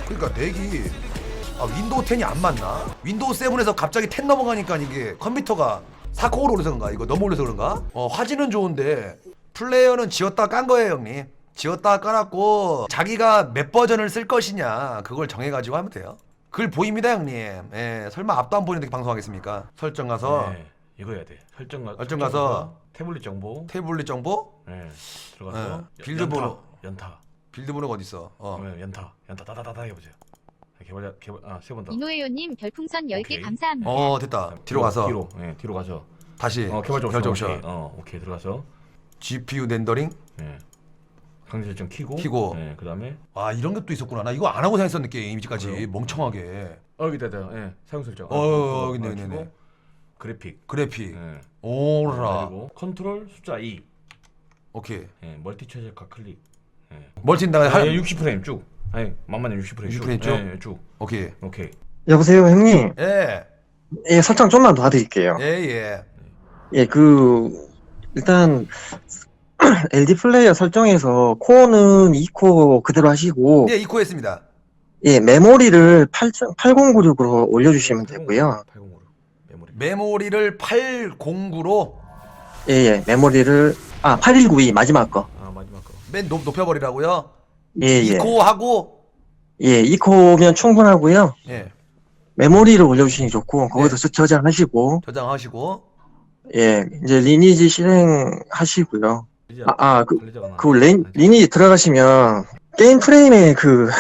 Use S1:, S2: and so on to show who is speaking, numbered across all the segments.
S1: 그러니까 넥이 윈도우 10이 안 맞나? 윈도우 7에서 갑자기 10 넘어가니까 이게 컴퓨터가 4코어로 올려서 그런가? 이거 너무 올려서 그런가? 화질은 좋은데 플레이어는 지웠다 깐 거예요, 형님. 지웠다 깔았고 자기가 몇 버전을 쓸 것이냐 그걸 정해가지고 하면 돼요. 글 보입니다, 형님. 예, 설마 앞도 안 보이는데 방송하겠습니까? 설정 가서
S2: 네, 이거 해야 돼. 설정
S1: 가서
S2: 태블릿 정보.
S1: 태블릿 정보,
S2: 네, 들어가서
S1: 빌드 번호.
S2: 연타.
S1: 빌드 번호가 어디 있어?
S2: 연타 다다다다 해보세요. 개발 세 번 더.
S3: 이노에요님 별풍선 10개
S2: 오케이.
S3: 감사합니다.
S1: 됐다. 뒤로 가서
S2: 뒤로 가서
S1: 다시
S2: 개발
S1: 옵션.
S2: 오케이 들어가서
S1: GPU 렌더링
S2: 강제 설정 키고 그다음에
S1: 이런 것도 있었구나. 나 이거 안 하고 생각했었는데 게임 이제까지
S2: 그래요?
S1: 멍청하게.
S2: 여기다 사용 설정.
S1: 네네네.
S2: 그래픽.
S1: 오라.
S2: 그리고 컨트롤 숫자 2.
S1: 오케이.
S2: 멀티 최적화 클릭.
S1: 멀티인다.
S2: 60프레임 쭉. 만만히 60프레임
S1: 60프레임 쭉?
S2: 쭉.
S1: 오케이.
S4: 여보세요, 형님.
S1: 예.
S4: 예, 설정 좀만 도와드릴게요.
S1: 예.
S4: 예, 일단, LD 플레이어 설정에서 코어는 2코어 그대로 하시고,
S1: 예, 이코했습니다.
S4: 예, 메모리를 8096으로 올려주시면 되고요.
S2: 8096
S1: 메모리를 809로
S4: 예, 메모리를, 8192, 마지막 거.
S2: 마지막 거.
S1: 맨 높여버리라고요?
S4: 예.
S1: 이코하고
S4: 예, 2코어면 충분하고요.
S1: 예.
S4: 메모리를 올려주시니 좋고, 거기서 저장하시고,
S1: 저장하시고
S4: 예, 이제 리니지 실행하시고요.
S2: 관리자가
S4: 리니지 들어가시면, 게임 프레임에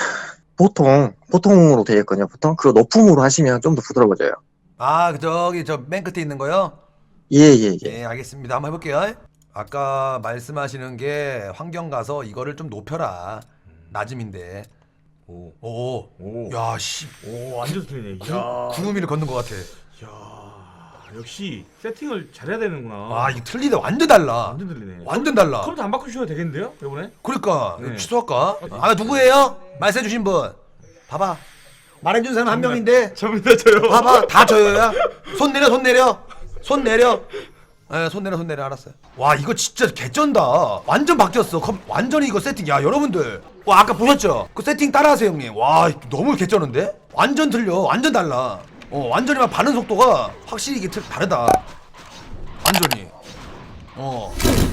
S4: 보통으로 되어 있거든요, 보통. 그거 높음으로 하시면 좀 더 부드러워져요.
S1: 저기 저 맨 끝에 있는 거요?
S4: 예.
S1: 알겠습니다. 한번 해볼게요. 아까 말씀하시는 게 환경 가서 이거를 좀 높여라. 낮음인데. 오. 야, 씨.
S2: 완전 틀리네.
S1: 구름이를 걷는 것 같아.
S2: 역시 세팅을 잘해야 되는구나.
S1: 이거 틀리다. 완전 달라.
S2: 완전 틀리네.
S1: 완전 달라.
S2: 컴퓨터 안 바꾸셔도 되겠는데요, 이번에?
S1: 그러니까
S2: 네.
S1: 취소할까? 누구예요? 말씀해주신 분. 봐봐. 말해준 사람 한 명인데.
S2: 접니다, 저요.
S1: 봐봐, 다 저요야. 손 내려. 손 내려. 손 내려. 알았어요. 와, 이거 진짜 개쩐다. 완전 바뀌었어. 완전히 이거 세팅. 야, 여러분들. 아까 보셨죠? 그 세팅 따라하세요, 형님. 와, 너무 개쩌는데? 완전 틀려. 완전 달라. 완전히 막 반응 속도가 확실히 이게 다르다. 완전히.